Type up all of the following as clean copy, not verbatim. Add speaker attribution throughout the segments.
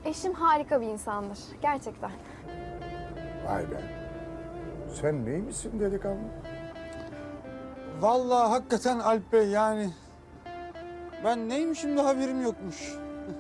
Speaker 1: Eşim harika bir insandır. Gerçekten.
Speaker 2: Vay be. Sen neymişsin delikanlı?
Speaker 3: Vallahi hakikaten Alp Bey yani ben neymişim de haberim yokmuş.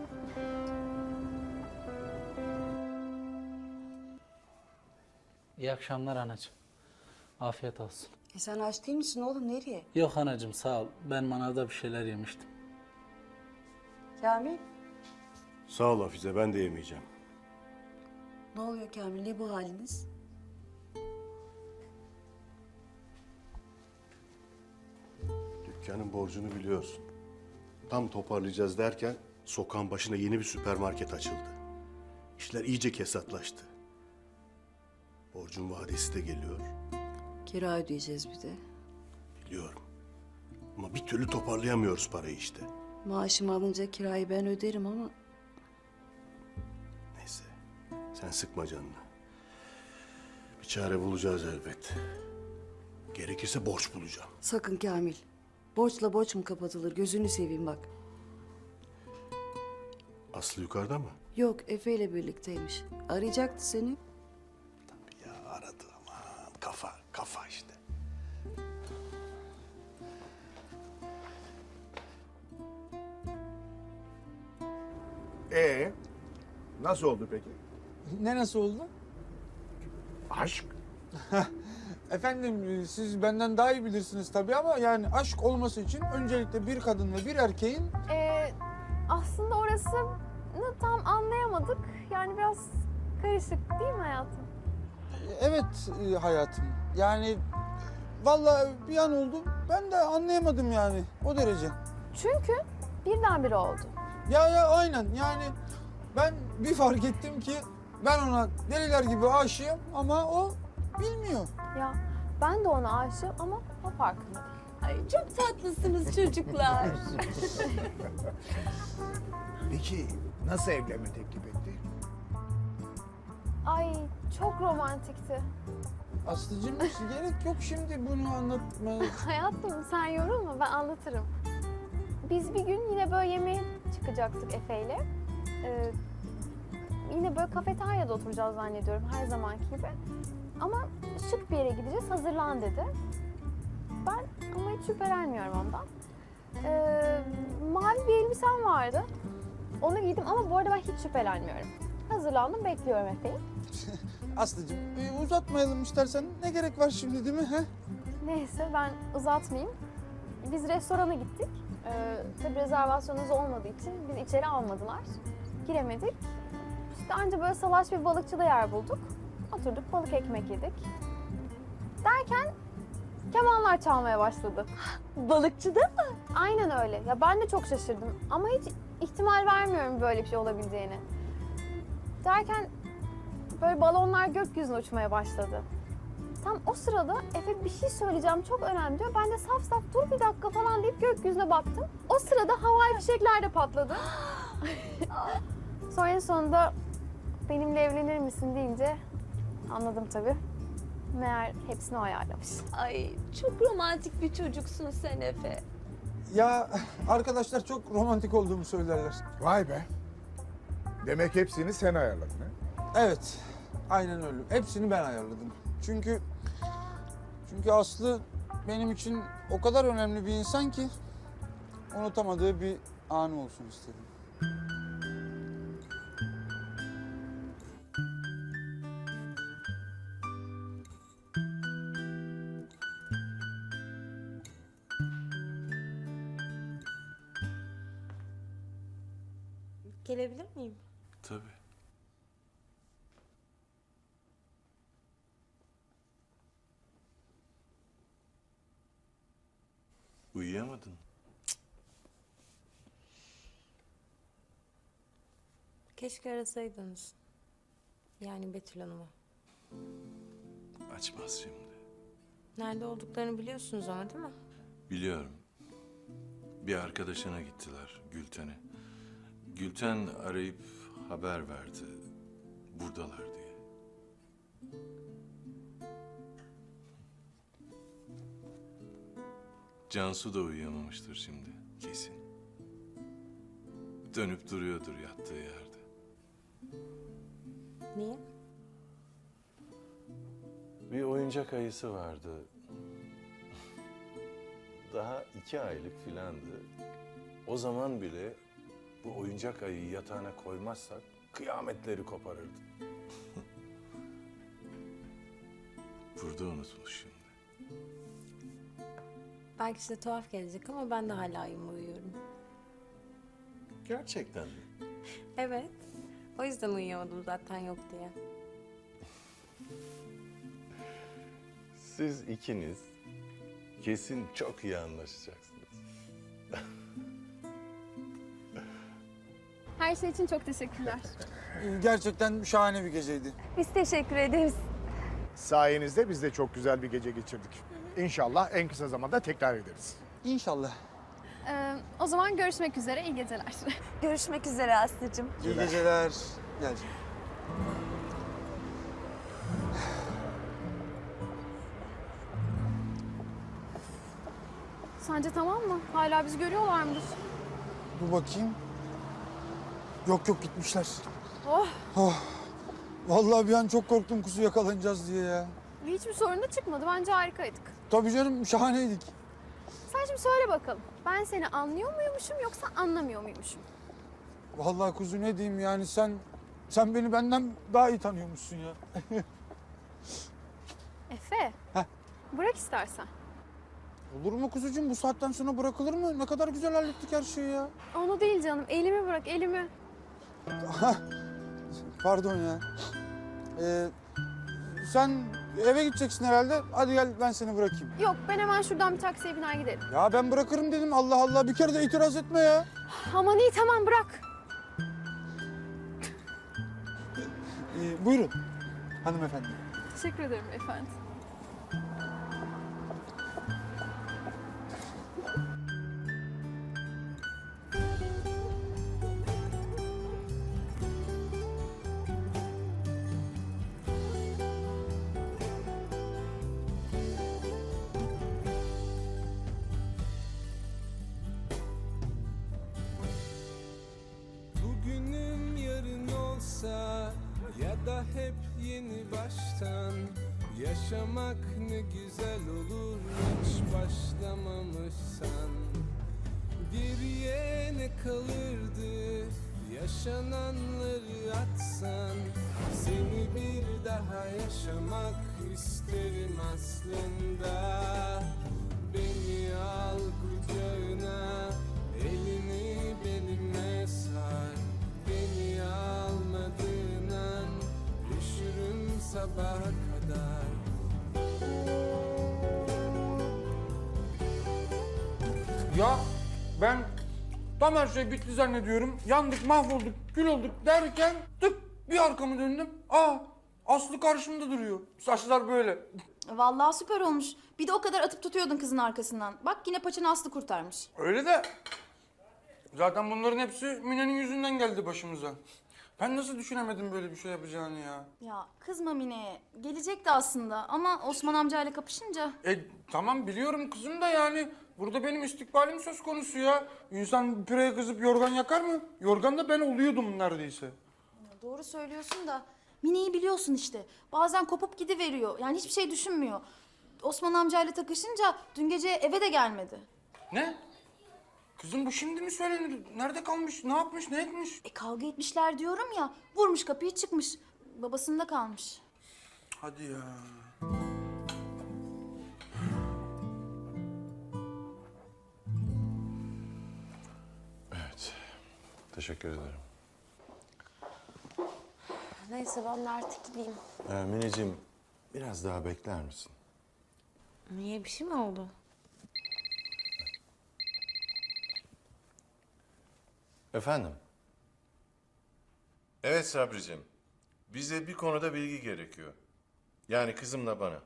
Speaker 4: İyi akşamlar anacığım. Afiyet olsun.
Speaker 5: Sen aç değil misin oğlum? Nereye?
Speaker 4: Yok anacığım sağ ol. Ben manavda bir şeyler yemiştim.
Speaker 5: Kamil?
Speaker 6: Sağ ol Hafize, ben de yemeyeceğim.
Speaker 5: Ne oluyor Kamil? Ne bu haliniz?
Speaker 6: Dükkanın borcunu biliyorsun. Tam toparlayacağız derken sokağın başına yeni bir süpermarket açıldı. İşler iyice kesatlaştı. Borcun vadesi de geliyor,
Speaker 5: Kira ödeyeceğiz bir de.
Speaker 6: biliyorum. Ama bir türlü toparlayamıyoruz parayı işte.
Speaker 5: Maaşımı alınca kirayı ben öderim ama...
Speaker 6: Neyse, sen sıkma canını. Bir çare bulacağız elbet. Gerekirse borç bulacağım.
Speaker 5: Sakın Kamil. Borçla borç mu kapatılır? Gözünü seveyim bak.
Speaker 6: Aslı yukarıda mı?
Speaker 5: Yok, Efe ile birlikteymiş. Arayacaktı seni.
Speaker 6: Ya aradı aman. Kafa işte.
Speaker 2: Nasıl oldu peki?
Speaker 3: Ne nasıl oldu?
Speaker 2: Aşk.
Speaker 3: Efendim siz benden daha iyi bilirsiniz tabii ama yani aşk olması için öncelikle bir kadın ve bir erkeğin...
Speaker 1: Aslında orasını tam anlayamadık. Yani biraz karışık değil mi hayatım?
Speaker 3: Evet hayatım. Yani vallahi bir an oldu. Ben de anlayamadım yani o derece.
Speaker 1: Çünkü birdenbire oldu.
Speaker 3: Ya aynen yani ben bir fark ettim ki ben ona deliler gibi aşığım ama o bilmiyor.
Speaker 1: Ya ben de ona aşığım ama o farkında değil.
Speaker 7: Ay çok tatlısınız çocuklar.
Speaker 2: Peki nasıl evlenme teklif etti?
Speaker 1: Ay çok romantikti.
Speaker 3: Aslıcığım gerek yok şimdi bunu anlatmaya.
Speaker 1: Hayatım sen yorulma, ben anlatırım. Biz bir gün yine böyle yemeğe çıkacaktık Efe'yle. Yine böyle kafeteryada oturacağız zannediyorum her zamanki gibi. Ama şık bir yere gideceğiz, hazırlan dedi. Ben ama hiç şüphelenmiyorum ondan. Mavi bir elbisem vardı. Onu giydim ama bu arada ben hiç şüphelenmiyorum. Hazırlandım, bekliyorum Efe'yi.
Speaker 3: Aslıcığım uzatmayalım istersen. Ne gerek var şimdi değil mi? He?
Speaker 1: Neyse ben uzatmayayım. Biz restorana gittik. Tabii rezervasyonumuz olmadığı için bizi içeri almadılar. Giremedik. İşte anca böyle salaş bir balıkçıda yer bulduk. Oturduk balık ekmek yedik. Derken kemanlar çalmaya başladı.
Speaker 7: Balıkçıda mı?
Speaker 1: Aynen öyle. Ya ben de çok şaşırdım ama hiç ihtimal vermiyorum böyle bir şey olabileceğini. Derken böyle balonlar gökyüzüne uçmaya başladı. Tam o sırada Efe bir şey söyleyeceğim çok önemli diyor. Ben de saf saf dur bir dakika falan deyip gökyüzüne baktım. O sırada havai fişekler de patladı. Sonra en sonunda benimle evlenir misin deyince anladım tabii. Meğer hepsini o ayarlamış.
Speaker 7: Ay çok romantik bir çocuksun sen Efe.
Speaker 3: Ya arkadaşlar çok romantik olduğumu söylerler.
Speaker 2: Vay be. Demek hepsini sen ayarladın ha?
Speaker 3: Evet. Aynen öyle. Hepsini ben ayarladım. Çünkü Aslı benim için o kadar önemli bir insan ki unutamadığı bir anı olsun istedim.
Speaker 7: Gelebilir miyim?
Speaker 6: Tabii. Uyuyamadın.
Speaker 7: Keşke arasaydınız. Yani Betül Hanım'ı.
Speaker 8: Açmaz şimdi.
Speaker 7: Nerede olduklarını biliyorsunuz ama değil mi?
Speaker 8: Biliyorum. Bir arkadaşına gittiler, Gülten'e. Gülten arayıp haber verdi. Buradalar diye. Cansu da uyuyamamıştır şimdi kesin. Dönüp duruyordur yattığı yerde.
Speaker 9: Niye?
Speaker 8: Bir oyuncak ayısı vardı. Daha 2 aylık filandı. O zaman bile bu oyuncak ayıyı yatağına koymazsak kıyametleri koparırdı. Burada unutmuş şimdi.
Speaker 9: Belki size tuhaf gelecek ama ben de hala uyuyorum.
Speaker 8: Gerçekten mi?
Speaker 9: Evet. O yüzden uyuyamadım zaten yok diye.
Speaker 8: Siz ikiniz kesin çok iyi anlaşacaksınız.
Speaker 1: Her şey için çok teşekkürler.
Speaker 3: Gerçekten şahane bir geceydi.
Speaker 1: Biz teşekkür ederiz.
Speaker 2: Sayenizde biz de çok güzel bir gece geçirdik. İnşallah en kısa zamanda tekrar ederiz.
Speaker 3: İnşallah.
Speaker 1: O zaman görüşmek üzere. İyi geceler.
Speaker 7: Görüşmek üzere Aslı'cığım.
Speaker 3: İyi geceler. Gel.
Speaker 1: Sence tamam mı? Hala bizi görüyorlar mıdır?
Speaker 3: Dur bakayım. Yok yok gitmişler.
Speaker 1: Oh,
Speaker 3: Oh. Vallahi bir an çok korktum kuzu yakalanacağız diye ya.
Speaker 1: hiçbir sorun da çıkmadı. Bence harikaydık.
Speaker 3: Tabii canım şahaneydik.
Speaker 1: Sen şimdi söyle bakalım. Ben seni anlıyor muymuşum yoksa anlamıyor muymuşum?
Speaker 3: Vallahi kuzu ne diyeyim yani sen beni benden daha iyi tanıyormuşsun ya.
Speaker 1: Efe.
Speaker 3: Heh.
Speaker 1: Bırak istersen.
Speaker 3: Olur mu kuzucuğum bu saatten sonra bırakılır mı? Ne kadar güzel hallettik her şeyi ya.
Speaker 1: Onu değil canım. Elimi bırak, elimi.
Speaker 3: Pardon ya. Sen eve gideceksin herhalde. Hadi gel ben seni bırakayım.
Speaker 1: Yok, ben hemen şuradan bir taksiye biner giderim.
Speaker 3: Ya ben bırakırım dedim. Allah Allah bir kere de itiraz etme ya.
Speaker 1: Aman iyi, tamam bırak.
Speaker 3: Buyurun hanımefendi.
Speaker 1: Teşekkür ederim efendim.
Speaker 10: Bugünüm yarın olsa ya da hep yeni baştan yaşamak ne güzel olur hiç başlamamışsan. Geriye ne kalırdı yaşananları atsan, seni bir daha yaşamak isterim aslında. Beni al kucağına, elini belime sar. Beni almadığın an üşürüm sabaha kadar.
Speaker 3: Ya ben tam her şey bitti zannediyorum. Yandık, mahvolduk, kül olduk derken tık bir arkamı döndüm. Aslı karşımda duruyor. Saçlar böyle.
Speaker 11: Vallahi süper olmuş. Bir de o kadar atıp tutuyordun kızın arkasından. Bak yine paçanı Aslı kurtarmış.
Speaker 3: Öyle de zaten bunların hepsi Mine'nin yüzünden geldi başımıza. Ben nasıl düşünemedim böyle bir şey yapacağını ya?
Speaker 11: Ya kızma Mine'ye. Gelecekti aslında ama Osman amcayla kapışınca.
Speaker 3: Tamam biliyorum kızım da yani burada benim istikbalim söz konusu ya. İnsan püreye kızıp yorgan yakar mı? Yorgan da ben oluyordum neredeyse.
Speaker 11: Doğru söylüyorsun da Mine'yi biliyorsun işte. Bazen kopup gidiveriyor. Yani hiçbir şey düşünmüyor. Osman amcayla takışınca dün gece eve de gelmedi.
Speaker 3: Ne? Kızım bu şimdi mi söylenir? Nerede kalmış? Ne yapmış? Ne etmiş?
Speaker 11: Kavga etmişler diyorum ya. Vurmuş kapıyı çıkmış. Babasında kalmış.
Speaker 3: Hadi ya.
Speaker 8: Evet. Teşekkür ederim.
Speaker 9: Neyse ben de artık gideyim.
Speaker 8: Mineciğim biraz daha bekler misin?
Speaker 9: Niye, bir şey mi oldu?
Speaker 8: Efendim? Evet Sabricim. Bize bir konuda bilgi gerekiyor. Yani kızımla bana.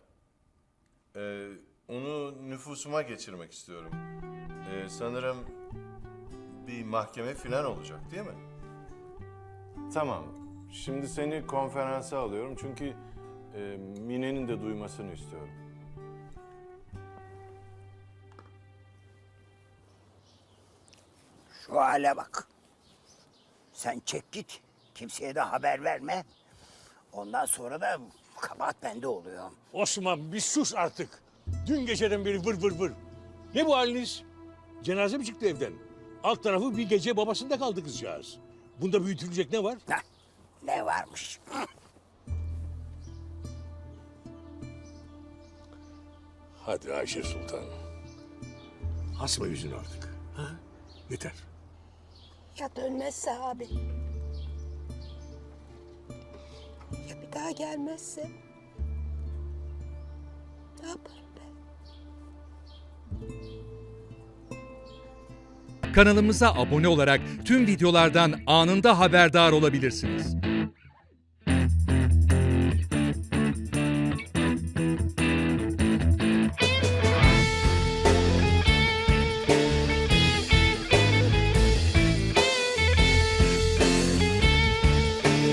Speaker 8: Onu nüfusuma geçirmek istiyorum. Sanırım bir mahkeme falan olacak değil mi? Tamam. Şimdi seni konferansa alıyorum çünkü Mine'nin de duymasını istiyorum.
Speaker 12: Şu hale bak. Sen çek git. Kimseye de haber verme. Ondan sonra da kabahat bende oluyor.
Speaker 13: Osman bir sus artık. Dün geceden beri vır vır vır. Ne bu haliniz? Cenaze mi çıktı evden? Alt tarafı bir gece babasında kaldı kızcağız. Bunda büyütülecek ne var?
Speaker 12: Heh, ne varmış?
Speaker 13: Hadi Ayşe Sultan. Asma yüzünü artık. Ha? Yeter.
Speaker 12: Ya dönmezse abi? Ya bir daha gelmezse? Ne yaparım ben?
Speaker 14: Kanalımıza abone olarak tüm videolardan anında haberdar olabilirsiniz.